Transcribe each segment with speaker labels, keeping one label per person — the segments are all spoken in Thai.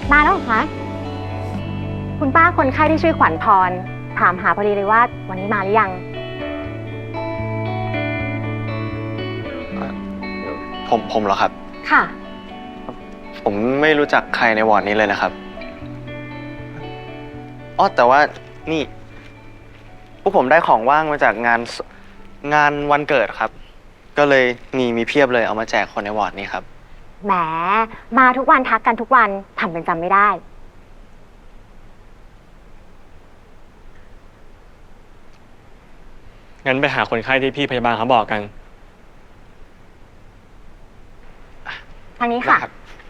Speaker 1: มาแล้วเหรอคะคุณป้าคนไข้ที่ชื่อขวัญพรถามหาพอดีเลยว่าวันนี้มาหรือยัง
Speaker 2: ผมเหรอครับ
Speaker 1: ค่ะ
Speaker 2: ผมไม่รู้จักใครในวอร์ดนี้เลยนะครับอ๋อแต่ว่านี่พวกผมได้ของว่างมาจากงานวันเกิดครับ ก็เลยมีเพียบเลยเอามาแจกคนในวอร์ดนี้ครับ
Speaker 1: แหมมาทุกวันทักกันทุกวันทำเป็นจำไม่ได้
Speaker 3: งั้นไปหาคนไข้ที่พี่พยาบาลเขาบอกกัน
Speaker 1: ทางนี้ค่ะ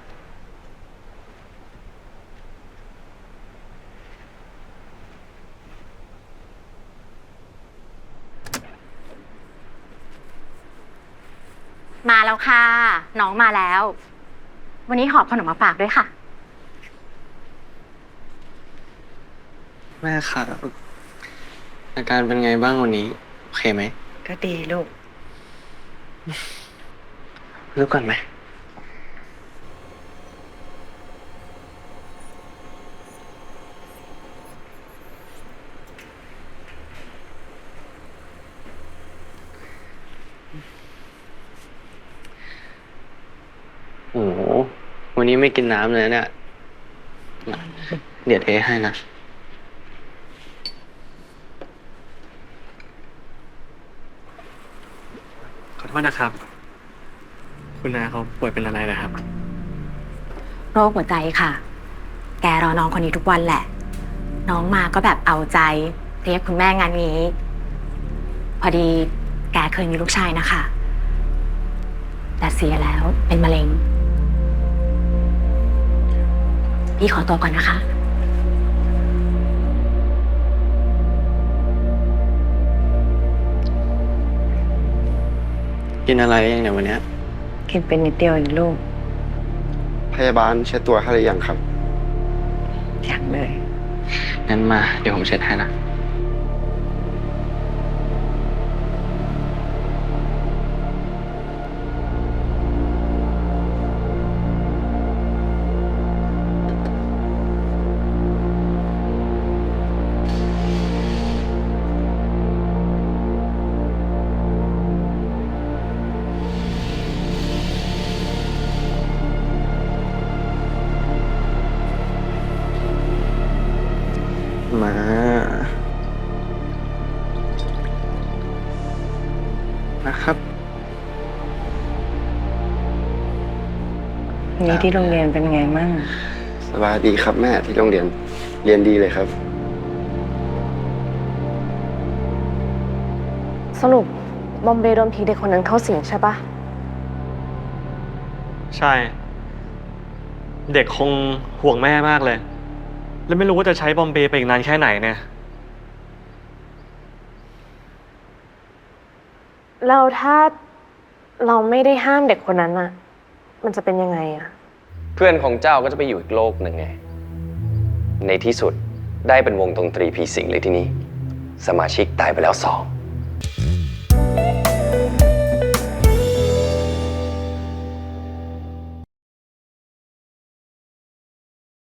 Speaker 1: มาแล้วค่ะน้องมาแล้ว วันนี้หอบขนมมาฝากด้วยค่ะ
Speaker 2: แม่ครับอาการเป็นไงบ้างวันนี้โอเคไหม
Speaker 4: ก็ดีลูก
Speaker 2: รู้ก่อนไหมโอ้โหวันนี้ไม่กินน้ำเลยเนี่ยเดี๋ยวเทให้นะ
Speaker 3: ขอโทษนะครับ คุณนาเขาป่วยเป็นอะไรนะครับ
Speaker 1: โรคหัวใจค่ะ แกรอน้องคนนี้ทุกวันแหละ น้องมาก็แบบเอาใจเรียกคุณแม่งานนี้ พอดีแกเคยมีลูกชายนะคะ แต่เสียแล้วเป็นมะเร็ง พี่ขอตัวก่อนนะคะ
Speaker 2: กินอะไรยังเนี่ยวันเนี้ย
Speaker 4: กินเป็นนิดเดียวเองลูก
Speaker 5: พยาบาลเช็ดตัวให้หรือยังครับ
Speaker 4: อย่างเลย
Speaker 2: งั้นมาเดี๋ยวผมเช็ดให้นะมานะครับ
Speaker 4: นี่ที่โรงเรียนเป็นไงมั่ง
Speaker 5: สบายดีครับแม่ที่โรงเรียนเรียนดีเลยครับ
Speaker 6: สรุปบอมเบย์โดนผีเด็กคนนั้นเข้าสิงใช่ปะ
Speaker 3: ใช่ เด็กคงห่วงแม่มากเลย แล้วไม่รู้ว่าจะใช้บอมเบย์ไปอีกนานแค่ไหนเนี่ย
Speaker 6: แล้วถ้าเราไม่ได้ห้ามเด็กคนนั้นอะมันจะเป็นยังไงอะ
Speaker 7: เพื่อนของเจ้าก็จะไปอยู่อีกโลกหนึ่งไง ในที่สุดได้เป็นวงดนตรีผีสิงเลยที่นี่ สมาชิกตายไปแล้ว2